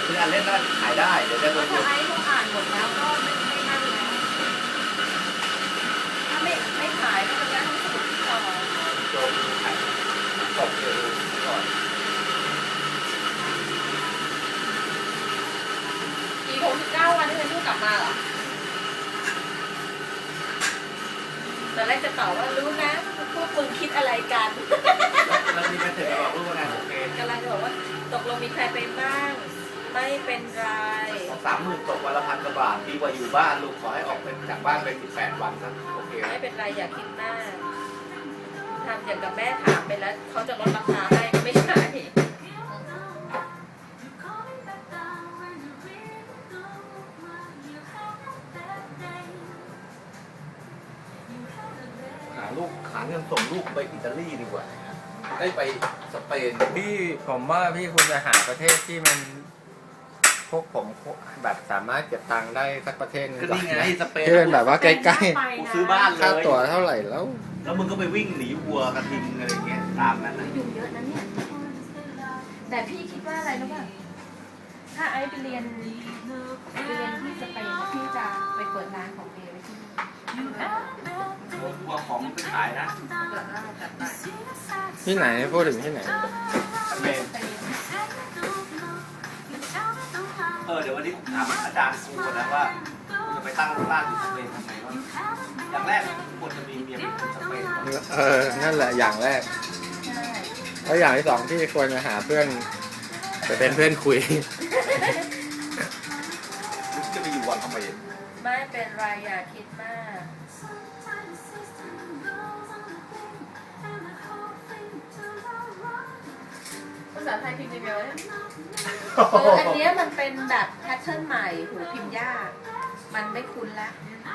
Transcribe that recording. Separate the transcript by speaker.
Speaker 1: คืออ่านเล่นได้ขายได้เดี๋ยวจะโดน
Speaker 2: ถ้าไอ้เขาอ่านหมดแล้วก็ไม่นั่นแล้วถ้าไม่ขายก็จะย้ายห้องสมุดต่อ
Speaker 1: โจมขายตบเลยก่อน
Speaker 2: อีก69 วันที่ฉันพูดกลับมาเหรอตอนแรกจะตอบว่ารู้นะพวกมึงคิดอะไรกัน
Speaker 1: แล้วมีแมสเสจมาบอกลูกว่างานโอเค
Speaker 2: กำลังจะบอกว่าตกลงมีใครไปบ้างไม่เป็นไร
Speaker 1: 30,000ตกวันละ1,000 กว่าบาทดีกว่าอยู่บ้านลูกขอให้ออกไปจากบ้านไป18 วันนะโอเค
Speaker 2: ไม่เป็นไรอย่าคิดมากทำอย่างกับแม่ถามไปแล้วเขาจะลดราคาให้ก็ไม่ใช่
Speaker 1: หาเงินส่งลูกไปอิตาลีดีกว่าได้ไปสเปน
Speaker 3: พี่ผมว่าพี่ควรจะหาประเทศที่มันพวกผมแบบสามารถเก็บตังค์ได้สักประเทศหนึง
Speaker 1: ก็
Speaker 3: ก่อน
Speaker 1: นี่ไง
Speaker 3: นะ
Speaker 1: สเปน
Speaker 3: ที่เป็นแบบว่าใกล้
Speaker 1: กูซื้อบ้านเล
Speaker 3: ๆค่าย ตั๋วเท่าไหร่แล้ว
Speaker 1: แล้วมึงก็ไปวิ่งหนีวัวกระทิงอะไรเงี้ยตามนั้นนะ
Speaker 2: ยุ่งเยอะนะเนี่ย แต่พี่คิดว่าอะไรรู้ป่ะถ้าไอ้ไปเรียนที่สเปนพี่จะไปเปิดร้านของเอไว้ที่นี่
Speaker 1: วัวของไปขายนะ
Speaker 2: เปิดร้านจัดไป
Speaker 3: ที่ไหนพูดถึงที่ไหน
Speaker 1: สเปน
Speaker 2: สเปน
Speaker 1: เดี๋ยววันนี้ผมถามอาจารย์ครูนะว่าจะไปตั้งร้านอยู่สเปนทำไมวะอย่างแรกควรจะมีเมียเป็นคนสเปนก่อน
Speaker 3: นั่นแหละอย่างแรก
Speaker 2: ใช่
Speaker 3: แล้วอย่างที่สองที่ควรจะหาเพื่อนไปเป็นเพื่อนคุย
Speaker 1: จะไปอยู่วันทำไม
Speaker 2: ไม่เป็นไรอย่าคิดมาก ภาษาไทยพิมพ์ยังไงวะเนี่ยอันเนี้ยมันเป็นแบบแพทเทิร์นใหม่หูพิมพ์ยาก มันไม่คุ้นละ